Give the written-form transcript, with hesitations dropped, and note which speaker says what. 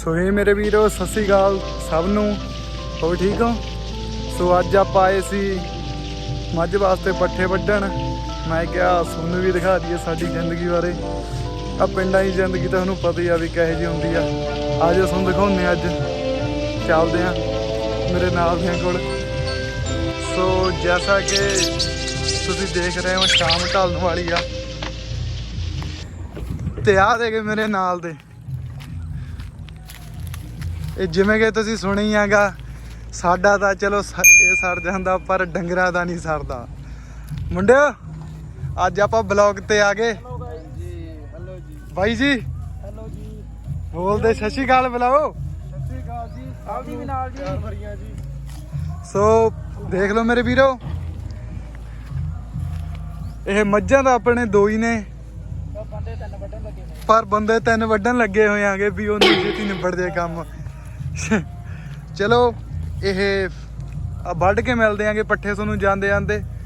Speaker 1: ਸੋ ਇਹ ਮੇਰੇ ਵੀਰੋ ਸਤਿ ਸ਼੍ਰੀ ਅਕਾਲ ਸਭ ਨੂੰ। ਹੋ ਠੀਕ ਹੋ? ਸੋ ਅੱਜ ਆਪਾਂ ਆਏ ਸੀ ਮੱਝ ਵਾਸਤੇ ਪੱਠੇ ਵੱਢਣ। ਮੈਂ ਕਿਹਾ ਤੁਹਾਨੂੰ ਵੀ ਦਿਖਾ ਦਈਏ ਸਾਡੀ ਜ਼ਿੰਦਗੀ ਬਾਰੇ। ਆ ਪਿੰਡਾਂ ਦੀ ਜ਼ਿੰਦਗੀ ਤੁਹਾਨੂੰ ਪਤਾ ਹੀ ਆ ਵੀ ਕਿਹੋ ਜਿਹੀ ਹੁੰਦੀ ਆ। ਅੱਜ ਤੁਹਾਨੂੰ ਦਿਖਾਉਂਦੇ ਅੱਜ ਚੱਲਦੇ ਆ ਮੇਰੇ ਨਾਲ ਦਿਆਂ ਕੋਲ। ਸੋ ਜੈਸਾ ਕਿ ਤੁਸੀਂ ਦੇਖ ਰਹੇ ਹੋ ਸ਼ਾਮ ਢਲਣ ਵਾਲੀ ਆ ਤੇ ਆ ਦੇ ਕੇ ਮੇਰੇ ਨਾਲ ਦੇ ਇਹ ਜਿਵੇਂ ਕਿ ਤੁਸੀਂ ਸੁਣੀ ਹੈਗਾ ਸਾਡਾ ਤਾਂ ਚਲੋ ਇਹ ਸਰ ਜਾਂਦਾ ਪਰ ਡੰਗਰਾਂ ਦਾ ਨਹੀਂ ਸਰਦਾ। ਮੁੰਡਿਓ ਅੱਜ ਆਪਾਂ ਬਲੌਗ ਤੇ ਆ ਗਏ। ਬਾਈ ਜੀ
Speaker 2: ਹੈਲੋ ਜੀ,
Speaker 1: ਬੋਲਦੇ ਸਤਿ ਸ਼੍ਰੀ ਅਕਾਲ ਬੁਲਾਓ।
Speaker 2: ਸਤਿ ਸ਼੍ਰੀ ਅਕਾਲ ਜੀ। ਆਪਦੀ ਵੀ ਨਾਲ ਜੀ।
Speaker 1: ਸੋ ਦੇਖ ਲਓ ਮੇਰੇ ਵੀਰੋ ਇਹ ਮੱਝਾਂ ਦਾ ਆਪਣੇ ਦੋ ਹੀ ਨੇ
Speaker 2: ਬੰਦੇ ਤਿੰਨ ਵੱਢਣ ਲੱਗੇ ਨੇ
Speaker 1: ਪਰ ਬੰਦੇ ਤਿੰਨ ਵੱਢਣ ਲੱਗੇ ਹੋਏ ਆਗੇ ਵੀ ਉਹ ਨਹੀਂ ਛੇਤੀ ਨਿਬੜ ਜੇ ਕੰਮ। ਚਲੋ ਇਹ ਵੱਢ ਕੇ ਮਿਲਦੇ ਆਂਗੇ ਪੱਠੇ ਤੁਹਾਨੂੰ ਜਾਂਦੇ ਜਾਂਦੇ।